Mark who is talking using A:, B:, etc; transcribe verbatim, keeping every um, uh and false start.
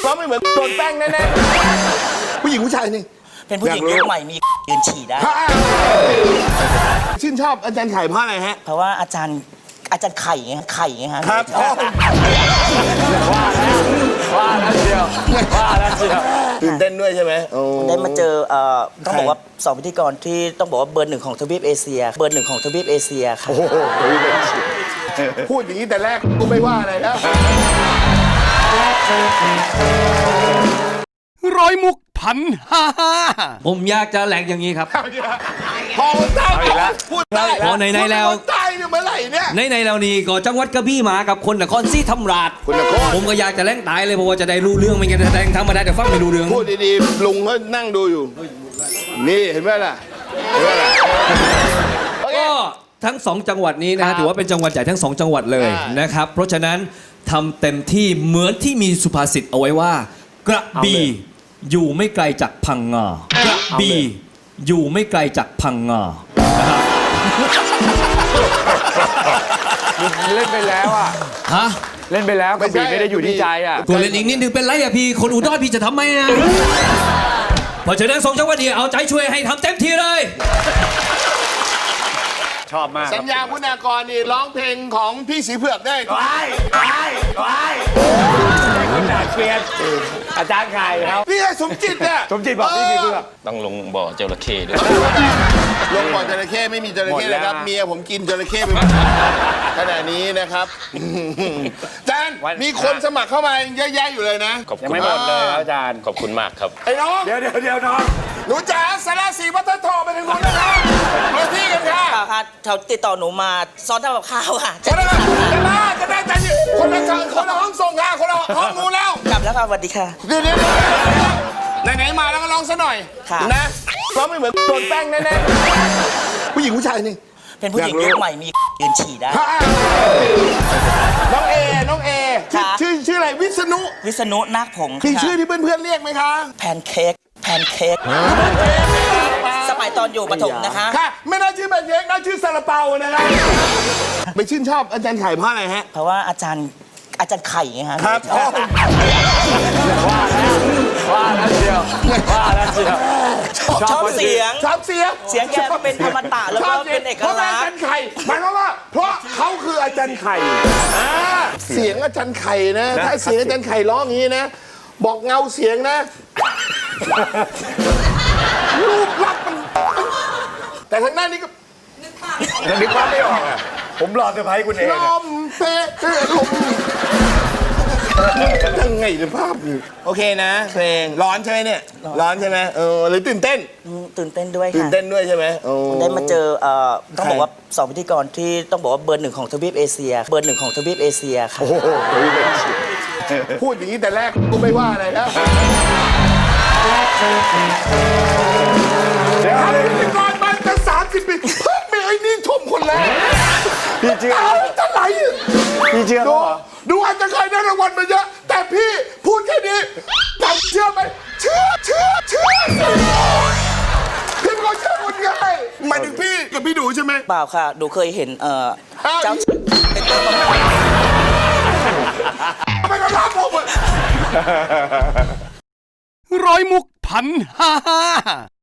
A: ร้องไม่เหมือนโดนแป้งแน่ๆผู้หญิงผู้ชายนี่
B: เป็นผู้หญิงยุคใหม่มียืนฉี่ได้
A: ชื่นชอบอาจารย์ไข่เพราะอะไรฮะ
B: เพราะว่าอาจารย์อาจารย์ไข่ไงไข่ไงฮะ
A: ครับ
C: ว่าแล้วว่าแล้วเชียวว่าแล้วเชียว
A: ตื่นเต้นด้วยใช่ไหม
B: ได้มาเจอเอ่อต้องบอกว่าสองพิธีกรที่ต้องบอกว่าเบอร์หนึ่งของทวีปเอเชียเบอร์หนึ่งของทวีปเอเชียค่ะ
A: พูดอย่างนี้แต่แรกกูไม่ว่าอะไรแล้ว
D: ร้อยมุกพันห้าผมอยากจะแหลกอย่างนี้ครับ
A: พอใต้พูดใต้
D: พอในในแล้ว
A: ใต้เนี่ยเมื่อไหร่เนี่ย
D: ในในแล้วนี่ก็จังหวัดกระบี่มากับคนนครศรีธรรมราชผมก็อยากจะแหลงตายเลยเพราะว่าจะได้รู้เรื่องไม่งั้นจะแหลงธรรมดาแต่ฟังไม่รู้เรื่อง
A: พูดดีๆลุงก็นั่งดูอยู่นี่เห็นไหมล่ะเห็นไหมล่ะ
D: ก็ทั้งสองจังหวัดนี้นะฮะถือว่าเป็นจังหวัดใหญ่ทั้งสองจังหวัดเลยนะครับเพราะฉะนั้นทำเต็มที่เหมือนที่มีสุภาษิตเอาไว้ว่ากระบี่อยู่ไม่ไกลจากพังงากระบี่อยู่ไม่ไกลจากพังงานะครับ
C: เล่นไปแล้วอ่ะ
D: ฮะ
C: เล่นไปแล้วกระบี่ไม่ได้อยู่ที่ใจอ่ะ
D: ตัวเล่นอีกนิดนึงเป็นไรอ่ะพี่คนอุดรพี่จะทำไมนะเพราะฉะนั้นสองจังหวัดนี้เอาใจช่วยให้ทำเต็มที่เลย
C: ชอบมาก
A: สัญญาคุณากรนี่ร้องเพลงของพี่สีเผือกได้
C: ไว้ไว้ไว้คุณด่าเกลียดอาจารย์ไข่ครับ
A: พี่สมจิตเนี่ย
C: สมจิตบอกพี่สีเผือก
E: ต้องลงบ่อจระเข้ด้วย
A: ลงบ่อจระเข้ไม่มีจระเข้เลยครับเมียผมกินจระเข้ไปขณะนี้นะครับอาจารย์มีคนสมัครเข้ามาเยอะแยะอยู่เลยนะ
C: ยังไม่หมดเลยอาจารย์
E: ขอบคุณมากครับ
A: ไอ้น้อง
C: เดี๋ยวเดี๋ยวเดี๋ยวน้อง
A: หนูจ๋าสารสีวัฒนทองไปทางนู้นนะครับมาที่กันค่ะ
B: ค่ะเขาติดต่อหนูมาซ้อนทำกับข้าวค่ะ
A: จะได้จะได้จะได้จะคนละคนละห้องส่งค่ะคนละห้องนู้นแล้ว
B: กลับแล้วค่ะสวัสดีค่ะ
A: เดี๋ยวเดี๋ยวไหนๆมาแล้วก็ร้องซะหน่อยนะร้องไม่เหมือนโดนแป้งแน่ๆผู้หญิงผู้ชายนี่
B: เป็นผู้หญิงยุคใหม่มียืนฉี่ได้
A: น้องเอน้องเอชื่อชื่ออะไรวิษณุ
B: วิษณุนาคผง
A: มีชื่อที่เพื่อนๆเรียกไหมคะ
B: แพนเค้กแพนเค้กสมัยตอนอยู่ประถมนะคะ
A: ค่ะไม่น่าชื่อแพนเค้กน่าชื่อซาลาเปานะครับไปชื่นชอบอาจารย์ไข่เพราะอะไรฮะ
B: เพราะว่าอาจารย์อาจารย์ไข่ไงฮะ
A: ครับ
C: ว่าแล้วว่าแล้วเชียวว่าแล้วเชียว
B: ชอบเสียง
A: ชอบเสียง
B: เสียงแกเป็นธรรมตะแล้วก็เป็นเอกลักษณ์
A: เพราะอาจารย์ไข่หมายความว่าเพราะเขาคืออาจารย์ไข่เสียงอาจารย์ไข่นะถ้าเสียงอาจารย์ไข่ร้องอย่างนี้นะบอกเงาเสียงนะรูปลักษณ์มันแต่ทางหน้านี้ก็
C: นึกภาพไม่ออกอ่ะผมรอเซอร์ไพรส์คุณเอง
A: ลมเป๊ะลมยังไงในภาพนี่โอเคนะเพลงร้อนใช่ไหมเนี่ยร้อนใช่ไหมเออหรือตื่นเต้น
B: ตื่นเต้นด้วยค่ะ
A: ตื่นเต้นด้วยใช่ไหม
B: ได้มาเจอเอ่อต้องบอกว่าสองพิธีกรที่ต้องบอกว่าเบอร์หนึ่งของทวีปเอเชียเบอร์หนึ่งของทวีปเอเชียค่ะ
A: พูดอย่างนี้แต่แรกกูไม่ว่าอะไรแล้วเดี๋ยวพิธีกรมาจะสามสิบปีเพิ่งมีไอ้นี่ชมคนแรก
C: พี่เชื่อ
A: จะไหล
C: พี่เชื่อ
A: ดูดูอาจจะเคยได้รางวัลมาเยอะแต่พี่พูดแค่นี้จำเชื่อไหมเชื่อเชื่อเชื่อพี่เป็นคนเชื่อคนง่ายหมายถึงพี่กับพี่ดูใช่ไหม
B: เปล่าค่ะดูเคยเห็นเอ่อเจ้าเป็นตัว
A: ไม่ก็รับผม
D: ร้อยมุกพันห้า